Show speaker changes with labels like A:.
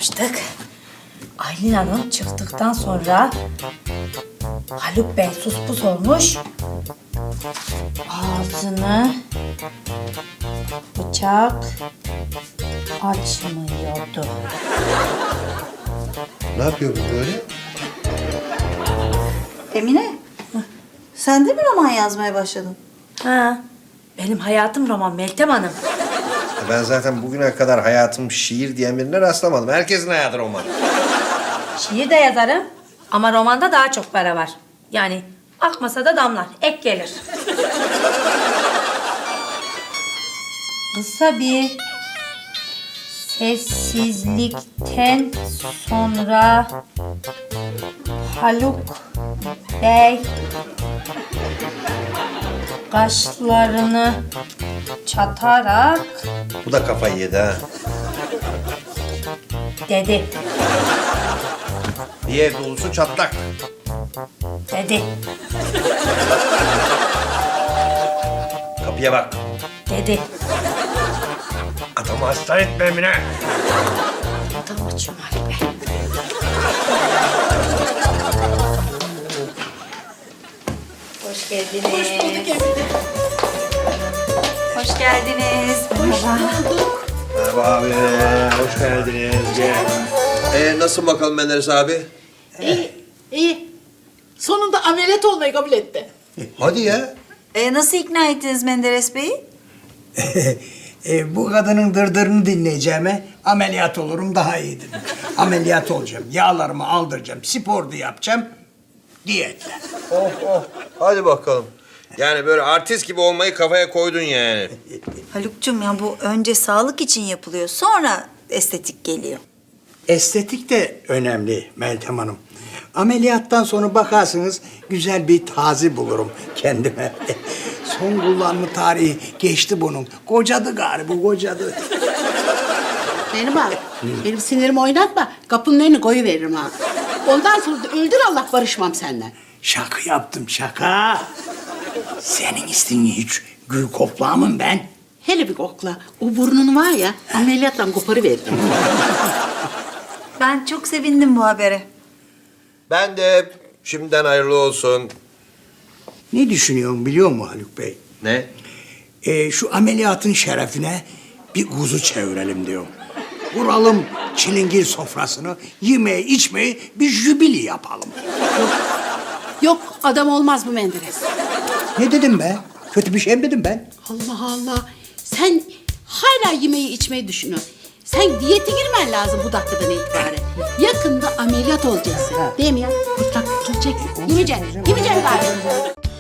A: yapmıştık. Aylin Hanım çıktıktan sonra Haluk Bey sus pus olmuş. Ağzını bıçak açmıyordu.
B: Ne yapıyor bu böyle?
C: Emine, sen de mi roman yazmaya başladın?
A: Ha, benim hayatım roman Meltem Hanım.
B: Ben zaten bugüne kadar hayatım şiir diyen birine rastlamadım. Herkesin hayatı roman.
A: Şiir de yazarım ama romanda daha çok para var. Yani akmasa da damlar, ek gelir. Kısa bir sessizlikten sonra Haluk Bey kaşlarını çatarak
B: Bu da kafayı yedi ha.
A: dedi.
B: Bir ev dolusu çatlak.
A: Dedi.
B: Kapıya bak.
A: Dedi.
B: Adamı hasta etme Emine.
A: Adam açıyorum Haluk Bey. Hoş geldiniz. Hoş bulduk Emine.
C: Hoş geldiniz.
B: Merhaba abi. Hoş geldiniz. Gel. Nasıl bakalım Menderes abi?
D: İyi. Sonunda ameliyat olmayı kabul etti.
B: Hadi ya.
C: Nasıl ikna ettiniz Menderes Bey'i?
E: Bu kadının dırdırını dinleyeceğime ameliyat olurum daha iyi dedim. Ameliyat olacağım, yağlarımı aldıracağım, spor da yapacağım, diyetle.
B: Oh. Hadi bakalım. Yani böyle artist gibi olmayı kafaya koydun yani.
C: Haluk'cum ya bu önce sağlık için yapılıyor, sonra estetik geliyor.
E: Estetik de önemli Meltem Hanım. Ameliyattan sonra bakarsınız güzel bir taze bulurum kendime. Son kullanma tarihi geçti bunun. Kocadı galiba, kocadı.
D: Benim abi, benim sinirimi oynatma. Kapının önüne koyuveririm ha. Ondan sonra da öldür Allah barışmam senden.
E: Şaka yaptım, şaka. Senin istin hiç gül koklamam ben.
D: Hele bir kokla. O burnunu var ya, ameliyatla koparıveririm.
C: Ben çok sevindim bu habere.
B: Ben de şimdiden hayırlı olsun.
E: Ne düşünüyorsun biliyor musun Haluk Bey?
B: Ne?
E: Şu ameliyatın şerefine bir kuzu çevirelim diyorum. Kuralım çilingir sofrasını, yemeği içmeyi bir jübili yapalım.
D: Yok, adam olmaz bu Menderes.
E: Ne dedim ben? Kötü bir şey mi dedim ben?
D: Allah Allah. Sen hala yemeği içmeyi düşünüyorsun. Sen diyete girmen lazım bu dakikadan itibaren. Yakında ameliyat olacaksın. Değil mi ya? Kurtak tutulacak. Yemeyeceksin. Yemeyeceksin galiba.